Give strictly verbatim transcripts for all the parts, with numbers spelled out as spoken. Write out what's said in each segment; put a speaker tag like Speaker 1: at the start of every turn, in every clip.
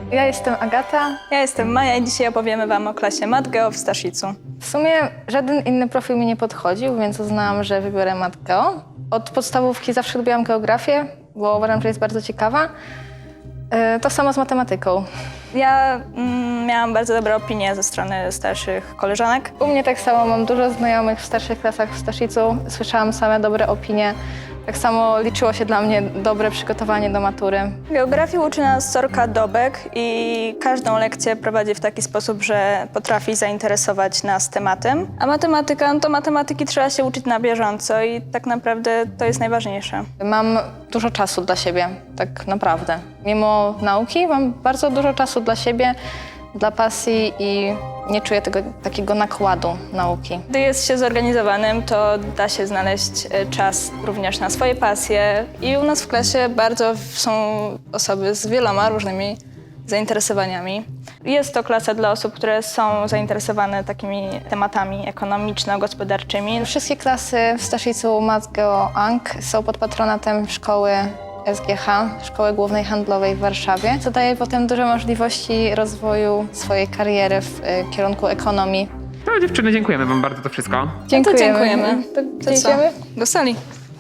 Speaker 1: Ja jestem Agata.
Speaker 2: Ja jestem Maja i dzisiaj opowiemy wam o klasie Matgeo w Staszicu.
Speaker 1: W sumie żaden inny profil mi nie podchodził, więc uznałam, że wybiorę Matgeo. Od podstawówki zawsze lubiłam geografię, bo uważam, że jest bardzo ciekawa. Yy, To samo z matematyką.
Speaker 2: Ja mm, miałam bardzo dobre opinie ze strony starszych koleżanek.
Speaker 1: U mnie tak samo, mam dużo znajomych w starszych klasach w Staszicu. Słyszałam same dobre opinie. Tak samo liczyło się dla mnie dobre przygotowanie do matury.
Speaker 2: Geografii uczy nas Sorka Dobek i każdą lekcję prowadzi w taki sposób, że potrafi zainteresować nas tematem. A matematyka, no to matematyki trzeba się uczyć na bieżąco i tak naprawdę to jest najważniejsze.
Speaker 1: Mam dużo czasu dla siebie, tak naprawdę. Mimo nauki mam bardzo dużo czasu dla siebie, dla pasji i nie czuję tego takiego nakładu nauki.
Speaker 2: Gdy jest się zorganizowanym, to da się znaleźć e, czas również na swoje pasje i u nas w klasie bardzo są osoby z wieloma różnymi zainteresowaniami. Jest to klasa dla osób, które są zainteresowane takimi tematami ekonomiczno-gospodarczymi.
Speaker 1: Wszystkie klasy w Staszicu Matgeo Ang są pod patronatem szkoły S G H, Szkoły Głównej Handlowej w Warszawie, co daje potem duże możliwości rozwoju swojej kariery w y, kierunku ekonomii.
Speaker 3: No dziewczyny, dziękujemy wam bardzo to wszystko.
Speaker 2: Dziękujemy. dziękujemy.
Speaker 1: To,
Speaker 2: To
Speaker 1: to
Speaker 2: co?
Speaker 1: idziemy?
Speaker 2: Do sali.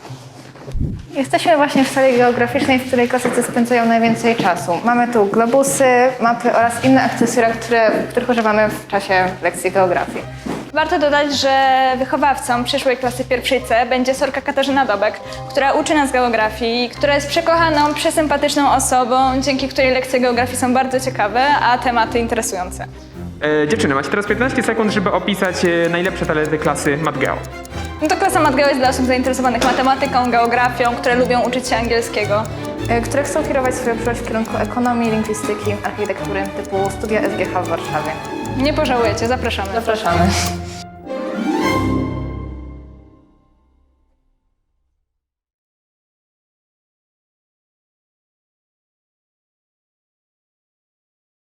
Speaker 1: Jesteśmy właśnie w sali geograficznej, w której klasycy spędzają najwięcej czasu. Mamy tu globusy, mapy oraz inne akcesoria, które, których używamy w czasie lekcji geografii.
Speaker 2: Warto dodać, że wychowawcą przyszłej klasy pierwszej C będzie Sorka Katarzyna Dobek, która uczy nas geografii, która jest przekochaną, przesympatyczną osobą, dzięki której lekcje geografii są bardzo ciekawe, a tematy interesujące.
Speaker 3: E, dziewczyny, macie teraz piętnaście sekund, żeby opisać e, najlepsze talenty klasy Matgeo.
Speaker 2: No to klasa Matgeo jest dla osób zainteresowanych matematyką, geografią, które lubią uczyć się angielskiego.
Speaker 1: y, które chcą kierować swoją przyszłość w kierunku ekonomii, lingwistyki, architektury typu studia S G H w Warszawie.
Speaker 2: Nie pożałujecie, zapraszamy.
Speaker 1: Zapraszamy.